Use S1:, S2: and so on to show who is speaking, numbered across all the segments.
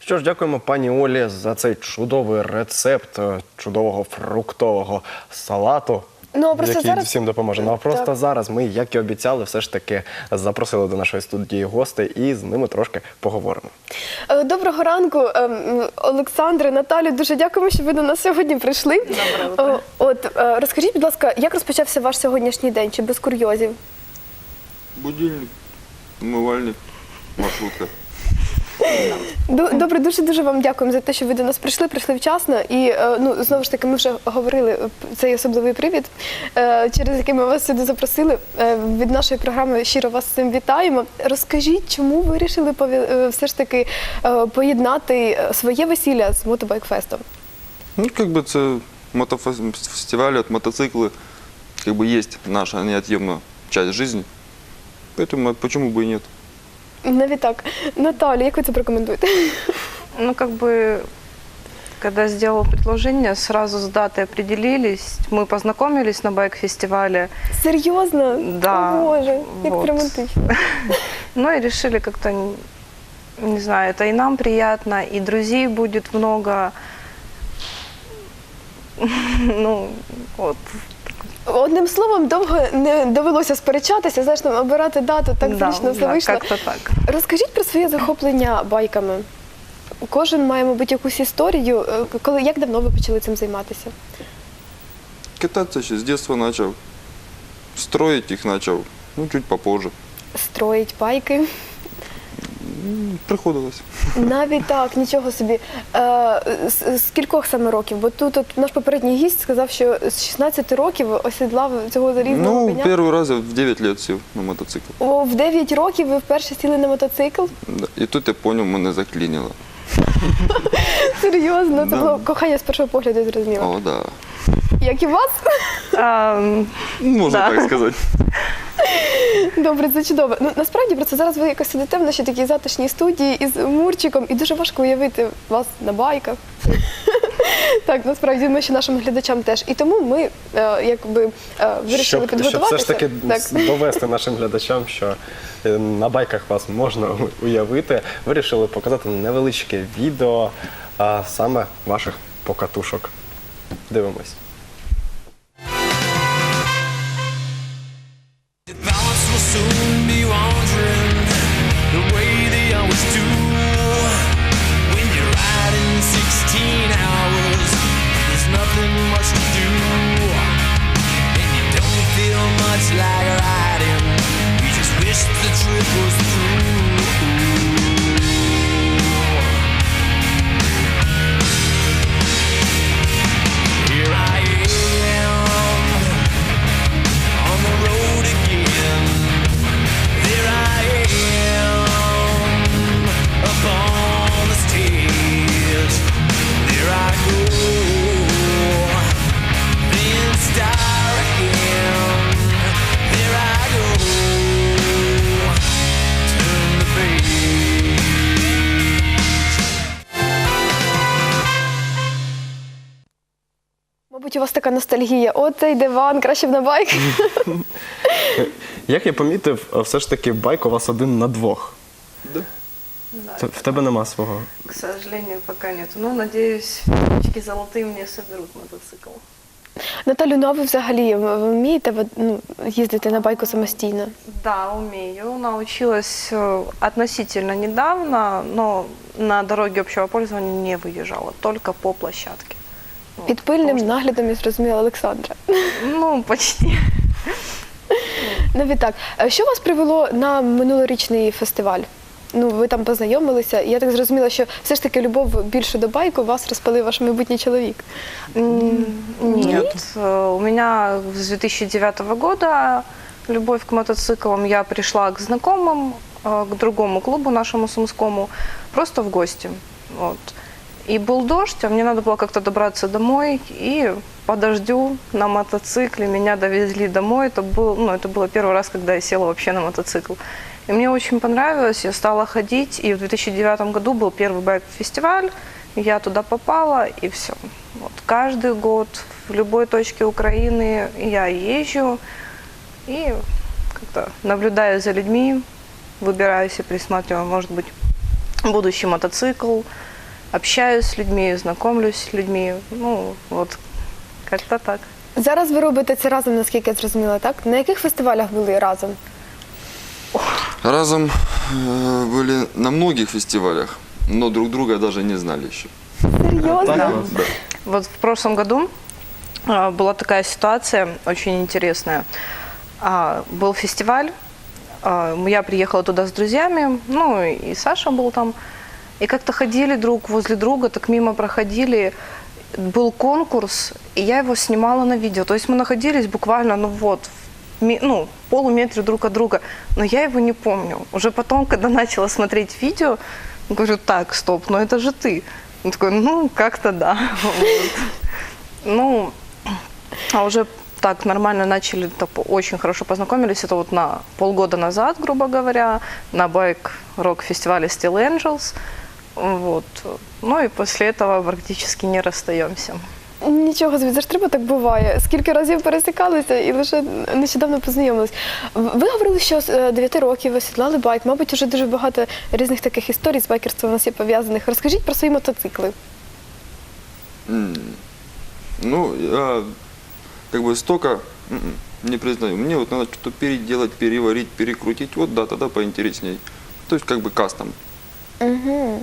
S1: Що ж, дякуємо пані Олі за цей чудовий рецепт чудового фруктового салату, який всім допоможе. Ну а просто зараз ми, як і обіцяли, все ж таки запросили до нашої студії гостей і з ними трошки поговоримо.
S2: Доброго ранку, Олександре, Наталю, дуже дякуємо, що ви до нас сьогодні прийшли. Розкажіть, будь ласка, як розпочався ваш сьогоднішній день, чи без курйозів?
S3: Будильник, умивальник, маршрутка.
S2: Добре, дуже вам дякуємо за те, що ви до нас прийшли вчасно. І, знову ж таки, ми вже говорили, цей особливий привід, через який ми вас сюди запросили. Від нашої програми щиро вас з цим вітаємо. Розкажіть, чому ви вирішили все ж таки поєднати своє весілля з мотобайк-фестом?
S3: Ну, це мотофестиваль, мотоциклы, есть наша неотъемная часть жизни. Поэтому почему бы и нет?
S2: Навіть так. Наталя, як ви це прокоментуєте?
S4: Когда сделал предложение, сразу с датой определились. Мы познакомились на байк-фестивале.
S2: Серьезно?
S4: Да.
S2: О, Боже, как романтично.
S4: Ну и решили как-то, не знаю, это и нам приятно, и друзей будет много.
S2: Одним словом, довго не довелося сперечатися, знаєш, обирати дату, так зручно все вийшло.
S4: Так.
S2: Розкажіть про своє захоплення байками. Кожен має, мабуть, якусь історію. Як давно ви почали цим займатися?
S3: Кататься еще с детства начал. Строить их начал, чуть попозже.
S2: Строїть байки?
S3: Приходилось.
S2: Навіть так, нічого собі. З кількох саме років? Бо тут наш попередній гість сказав, що з 16 років осідлав цього залізного коня.
S3: Первый раз я в 9 лет сел на мотоцикл.
S2: О, в 9 років ви вперше сіли на мотоцикл?
S3: Да. І тут я понял, мене заклинило.
S2: Серйозно? Це було кохання з першого погляду, зрозуміло.
S3: О, да.
S2: Як і у вас?
S3: Можна так сказати.
S2: Добре, це чудово. Насправді, просто зараз ви якось сидите в нашій такій затишній студії із Мурчиком, і дуже важко уявити вас на байках. Так, насправді, ми ще нашим глядачам теж. І тому ми вирішили підготуватися.
S1: Щоб все ж таки довести нашим глядачам, що на байках вас можна уявити, вирішили показати невеличке відео саме ваших покатушок. Дивимось.
S5: Soon be wandering the way they always do. When you're riding 16 hours, there's nothing much to do, and you don't feel much like riding. You just wish the trip was through. Here I am on the road again. There I am upon the stage. There I go, then start again. There I go, turn the page.
S2: Мабуть, у вас така ностальгія. О, цей диван, краще б на байк.
S1: Як я помітив, все ж таки байк у вас один на двох.
S3: Да.
S1: В тебе нема свого?
S4: К сожалению, пока нет. Но, надеюсь, птички золотые мне соберут мотоцикл.
S2: Наталю, а ви взагалі вмієте їздити на байку самостійно?
S4: Да, умею. Научилась относительно недавно, но на дороге общего пользования не выезжала, только по площадке.
S2: Під пильним наглядом, я зрозуміла, Олександра.
S4: Почти.
S2: Навіть так. Що вас привело на минулорічний фестиваль? Ви там познайомилися, і я так зрозуміла, що все ж таки любов більше до байку вас розпалив ваш майбутній чоловік.
S4: Нет, у меня с 2009 года любовь к мотоциклам. Я пришла к знакомым, к другому клубу нашему сумскому, просто в гости. И был дождь, а мне надо было как-то добраться домой, и по дождю на мотоцикле меня довезли домой. Это было первый раз, когда я села вообще на мотоцикл. И мне очень понравилось, я стала ходить, и в 2009 году был первый байк-фестиваль, я туда попала, и все. Каждый год в любой точке Украины я езжу, и как-то наблюдаю за людьми, выбираю себе, присматриваю, может быть, будущий мотоцикл. общаюсь с людьми, знакомлюсь с людьми. Ну, вот, как-то так.
S2: Зараз ви робите це разом, наскільки я зрозуміла, так? На яких фестивалях були разом?
S3: Разом были на многих фестивалях, но друг друга даже не знали еще.
S2: Серйозно?
S4: Да.
S3: Да.
S4: Вот в прошлом году была такая ситуация очень интересная. Был фестиваль, я приехала туда с друзьями, ну и Саша был там. И как-то ходили друг возле друга, так мимо проходили. Был конкурс, и я его снимала на видео. То есть мы находились буквально, ну вот, в полуметре друг от друга. Но я его не помню. Уже потом, когда начала смотреть видео, говорю, так, стоп, ну это же ты. Он такой, ну, как-то да. Вот. Ну, а уже так нормально начали, очень хорошо познакомились. Это вот на полгода назад, грубо говоря, на байк-рок-фестивале Steel Angels. Вот. Ну и после этого практически не расстаемся.
S2: Нічого, звідси ж треба так буває. Скільки разів пересікалися і лише нещодавно познайомились. Ви говорили, що з 9 років ви сідлали байк. Мабуть, вже дуже багато різних таких історій з байкерством у нас є пов'язаних. Розкажіть про свої мотоцикли.
S3: Ну, я как бы столько не признаю. Мне вот надо что-то переделать, переварить, перекрутить. Вот да, тогда поинтересней. То есть как бы кастом.
S2: Угу.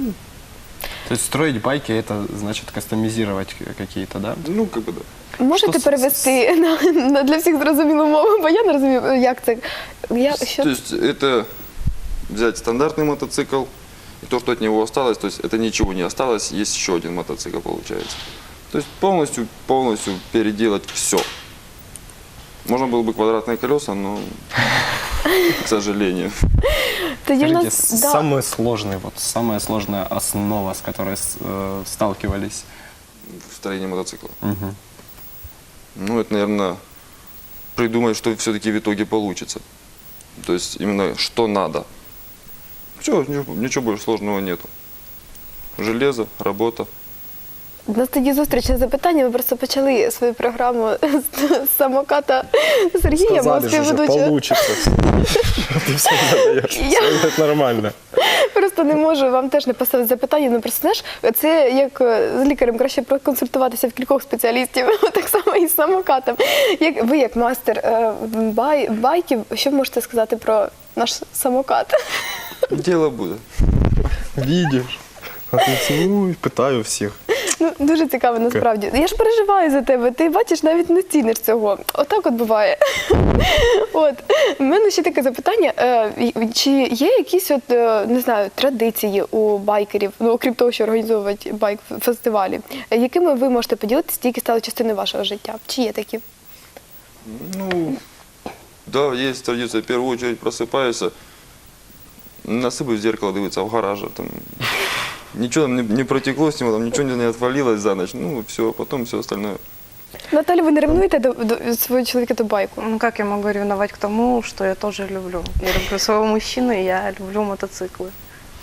S1: То есть строить байки – это значит кастомизировать какие-то, да?
S3: Ну, как бы да.
S2: Можете
S1: Що
S2: перевести на для всіх зрозумілу мову, бо я не розумію, як це.
S3: То есть это взять стандартный мотоцикл, и то, что от него осталось, то есть это ничего не осталось, есть еще один мотоцикл получается. То есть полностью переделать все. Можно было бы квадратные колеса, но, к сожалению.
S2: Тоді в
S1: Скажите,
S2: нас, да.
S1: самая сложная основа, с которой сталкивались?
S3: В строении мотоцикла.
S1: Мгм.
S3: Ну, это, наверное, придумать, что все-таки в итоге получится. То есть именно что надо. Все, ничего больше сложного нету. Железо, работа.
S2: У нас тоді зустріч на запитання. Ми просто почали свою програму з самоката Сергія, мого
S1: Сказали же,
S2: співведучого.
S1: получится. Ты все задаешь, это нормально.
S2: Просто не можу вам теж не поставити запитання. Ну просто знаєш, це як з лікарем краще проконсультуватися в кількох спеціалістів, так само і з самокатом. Ви як мастер байків, що ви можете сказати про наш самокат?
S3: Дело будет.
S1: Видишь? А ты питаю всіх.
S2: Ну, дуже цікаво насправді. Я ж переживаю за тебе, ти бачиш, навіть не ціниш цього. Отак от буває. От. У мене ще таке запитання. Чи є якісь от, не знаю, традиції у байкерів, ну, окрім того, що організовують байк-фестивалі, якими ви можете поділитися, які стали частиною вашого життя? Чи є такі?
S3: Ну, да, есть традиция. В первую очередь просыпаешься, насыпаю в зеркало, дивиться в гараже. Там, ничего там не протекло с него, там ничего не отвалилось за ночь. Ну, все, потом все остальное.
S2: Наталя, ви не ревнуєте до свого чоловіка до байку?
S4: Ну, как я могу ревновать к тому, что я тоже люблю? Я люблю своего мужчину, и я люблю мотоциклы.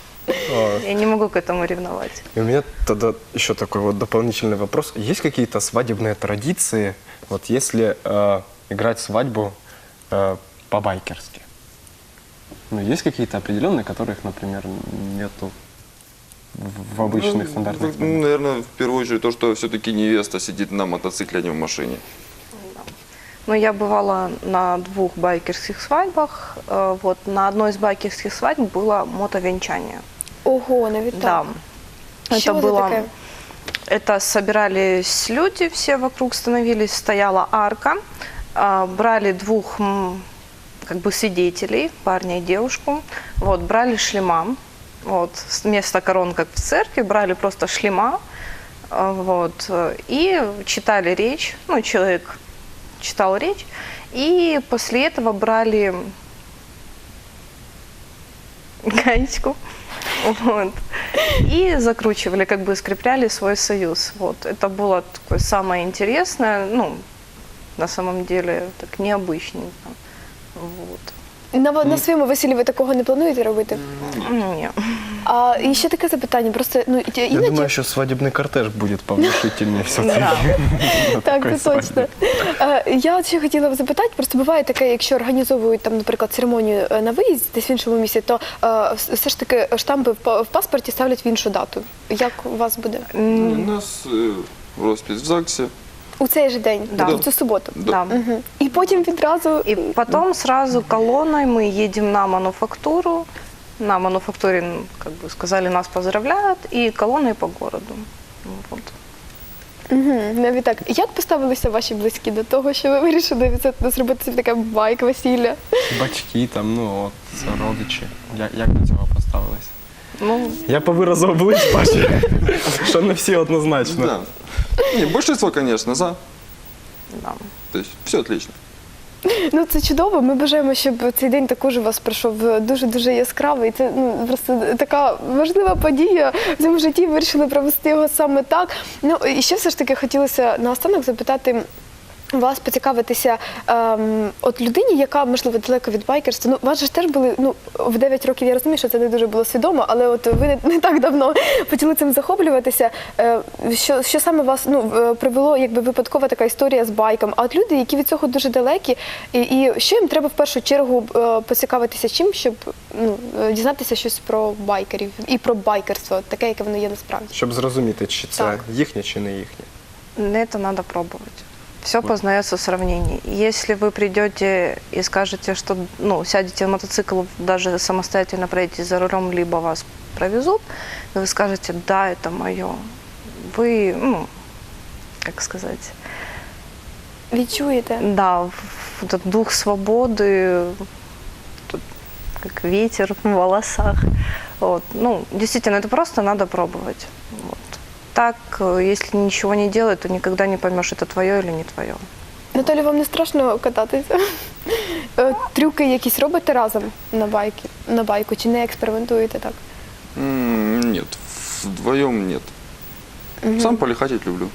S4: Я не могу к этому ревновать.
S1: И у меня тогда еще такой вот дополнительный вопрос. Есть какие-то свадебные традиции, вот если играть свадьбу по-байкерски? Ну, есть какие-то определенные, которых, например, нету в обычных стандартных
S3: Ну,
S1: свадьбах?
S3: наверное, в первую очередь то, что все-таки невеста сидит на мотоцикле, а не в машине.
S4: Но я бывала на 2 байкерских свадьбах. Вот, на одной из байкерских свадьб было мотовенчание.
S2: Ого, навіть так.
S4: Да.
S2: Що
S4: Это
S2: це
S4: было...
S2: таке?
S4: Это собирались люди, все вокруг становились, стояла арка, брали 2 как бы свидетелей, парня и девушку, вот, брали шлема, вот, вместо корон, как в церкви, брали просто шлема, вот, и читали речь, ну, человек читал речь, и после этого брали гаечку, вот, и закручивали, как бы скрепляли свой союз. Вот. Это было такое самое интересное, ну, на самом деле, так необычненько. Вот.
S2: На своєму весіллі ви такого не плануєте робити?
S4: Ні.
S2: І ще таке запитання, просто, ну,
S1: Я
S2: іноді...
S1: думаю, что свадебный кортеж будет повнушительнее все-таки.
S2: Так, це точно. Я от ще хотіла запитати, просто буває таке, якщо організовують, там, наприклад, церемонію на виїзд десь в іншому місці, то все ж таки штампи в паспорті ставлять в іншу дату. Як у вас буде?
S3: У нас роспись в ЗАГСе.
S2: У цей же день,
S4: Да.
S2: в цю суботу.
S4: Да.
S2: Мгм. І потім відразу...
S4: И потом сразу колонной мы едем на мануфактуру. На мануфактуре, ну, как бы сказали, нас поздравляют, и колонной по городу. Вот.
S2: Навіть так. Як поставилися ваші близькі до того, що ви вирішили зробити собі таке байк-весілля?
S1: Батьки там, ну от, родичі. Як до цього поставились?
S4: Ну,
S1: Я по виразу облич бачу, що не всі однозначно.
S3: Да. Не, большинство, конечно, за.
S4: да.
S3: То есть все отлично.
S2: Ну, це чудово. Ми бажаємо, щоб цей день також у вас пройшов дуже-дуже яскравий. Це, ну, просто така важлива подія в цьому житті. Ви вирішили провести його саме так. Ну, і ще все ж таки хотілося наостанок запитати вас, поцікавитися от людині, яка, можливо, далеко від байкерства. Ну, у вас же ж теж були, ну, в 9 років, я розумію, що це не дуже було свідомо, але от ви не так давно почали цим захоплюватися. Що саме вас, ну, привело, якби випадкова така історія з байком? А от люди, які від цього дуже далекі, і що їм треба в першу чергу поцікавитися чим, щоб, ну, дізнатися щось про байкерів і про байкерство, таке, яке воно є насправді?
S1: Щоб зрозуміти, чи це
S2: Так.
S1: їхнє, чи не їхнє.
S4: Это надо пробовать. Все познается в сравнении. Если вы придете и скажете, что, ну, сядете в мотоцикл, даже самостоятельно проедете за рулем, либо вас провезут, и вы скажете, да, это мое. Вы, ну, как сказать,
S2: Відчуєте?
S4: да, этот дух свободы, тут как ветер в волосах. Вот. Ну, действительно, это просто надо пробовать. Вот. Так, если ничего не делать, то никогда не поймешь, это твое или не твое.
S2: Наталі, вам не страшно кататися? Трюки якісь робите разом на байку, чи не експериментуєте так?
S3: Нет, вдвоем нет. Сам полихатить люблю.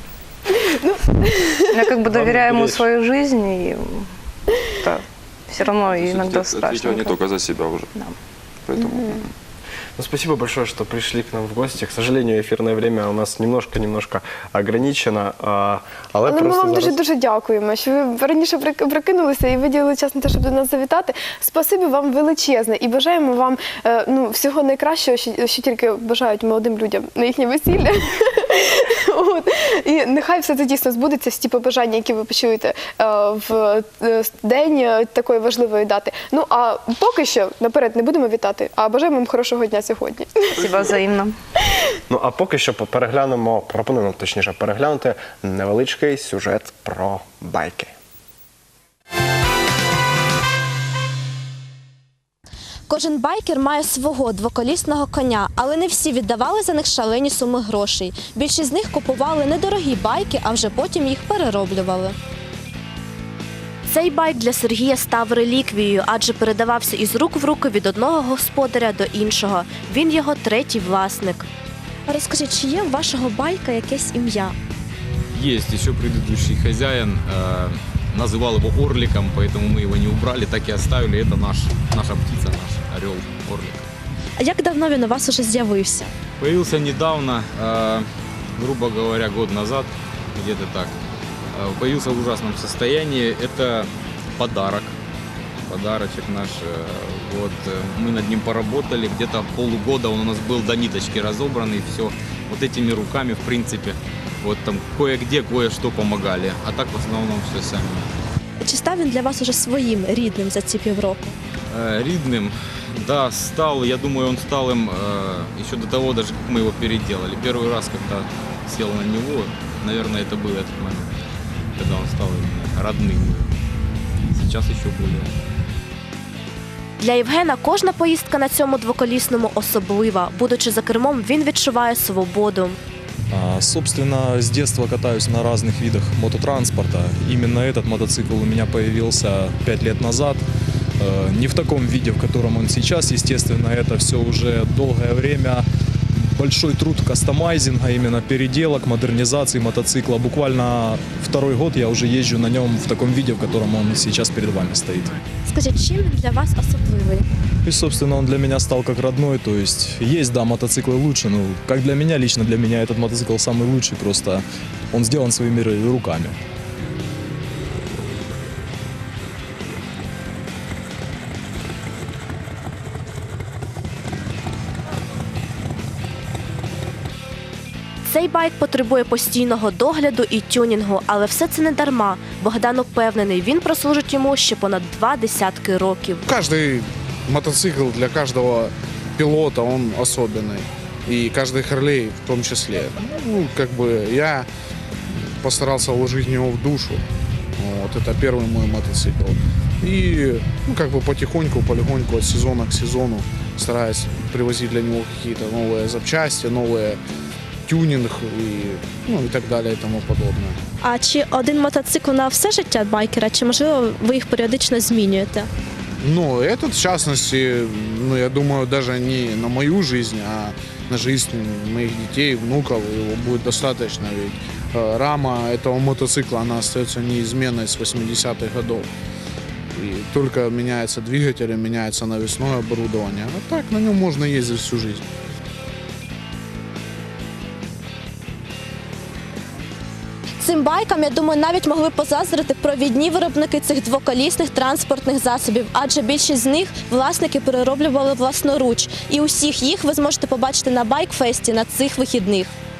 S4: Я как бы доверяю ему
S1: беречь.
S4: свою жизнь, и да, все равно
S3: То есть
S4: иногда
S3: отвечаю не
S4: страшно.
S3: только за себя уже.
S4: Да.
S3: Поэтому
S1: Ну, спасибо большое, что пришли к нам в гости. К сожалению, эфирное время у нас немножко ограничено. Але
S2: Але ми
S1: просто
S2: вам
S1: зараз...
S2: дуже дякуємо, що ви раніше прикинулися і виділили час на те, щоб до нас завітати. Спасибі вам величезне і бажаємо вам, ну, всього найкращого, що тільки бажають молодим людям на їхнє весілля. От. І нехай все це дійсно збудеться, всі ті побажання, які ви почуєте в день такої важливої дати. Ну, а поки що наперед не будемо вітати, а бажаємо вам хорошого дня сьогодні.
S4: Спасибо взаимно.
S1: Ну, а поки що пропонуємо точніше переглянути невеличкий сюжет про байки.
S6: Кожен байкер має свого двоколісного коня, але не всі віддавали за них шалені суми грошей. Більшість з них купували недорогі байки, а вже потім їх перероблювали. Цей байк для Сергія став реліквією, адже передавався із рук в руки від одного господаря до іншого. Він його третій власник. Розкажіть, чи є у вашого байка якесь ім'я?
S7: Есть еще предыдущий хозяин, называл его Орликом, поэтому мы его не убрали, так и оставили. Это наша птица, наш орел Орлик.
S6: А як давно він у вас уже з'явився?
S7: Появился недавно, грубо говоря, год назад, где-то так. Появился в ужасном состоянии. Это подарочек наш. Вот, мы над ним поработали, где-то полугода он у нас был до ниточки разобранный, все вот этими руками, в принципе. Вот там кое-где, кое-что помогали, а так в основном все сами.
S6: Чи став він для вас уже своїм, рідним за ці півроку?
S7: Ридным, да, стал, я думаю, он стал им еще до того, даже как мы его переделали. Первый раз, когда сел на него, наверное, это был этот момент, когда он стал именно родным. Сейчас еще более.
S6: Для Євгена кожна поїздка на цьому двоколісному особлива. Будучи за кермом, він відчуває свободу.
S8: Собственно, с детства катаюсь на разных видах мототранспорта. Именно этот мотоцикл у меня появился 5 лет назад. Не в таком виде, в котором он сейчас, естественно, это все уже долгое время большой труд кастомайзинга, именно переделок, модернизации мотоцикла. Буквально 2-й год я уже езжу на нем в таком виде, в котором он сейчас перед вами стоит.
S6: Скажіть, чим він для вас особливий?
S8: И, собственно, он для меня стал как родной. То есть, есть, да, мотоциклы лучше, но как для меня, лично для меня этот мотоцикл самый лучший. Просто он сделан своими руками.
S6: Цей байк потребує постійного догляду і тюнінгу, але все це не дарма. Богдан упевнений, він прослужить йому ще понад 2 десятки років.
S9: Каждый мотоцикл для каждого пилота, он особенный. И каждый Харлей в том числе. Ну, как бы я постарался вложить в него в душу. Вот, это первый мой мотоцикл. И, ну, как бы потихоньку, полегоньку, от сезона к сезону стараюсь привозить для него какие-то новые запчасти, новые тюнинг и так далее и тому подобное.
S6: А чи один мотоцикл на все життя байкера, чи можливо ви їх періодично змінюєте?
S9: Ну, этот, в частности, ну, я думаю, даже не на мою жизнь, а на жизнь моих детей, внуков, его будет достаточно, ведь рама этого мотоцикла, она остается неизменной с 80-х годов. И только меняется двигатель, меняется навесное оборудование, а так на нем можно ездить всю жизнь.
S6: Цим байкам, я думаю, навіть могли позаздрити провідні виробники цих двоколісних транспортних засобів, адже більшість з них власники перероблювали власноруч. І усіх їх ви зможете побачити на байкфесті на цих вихідних.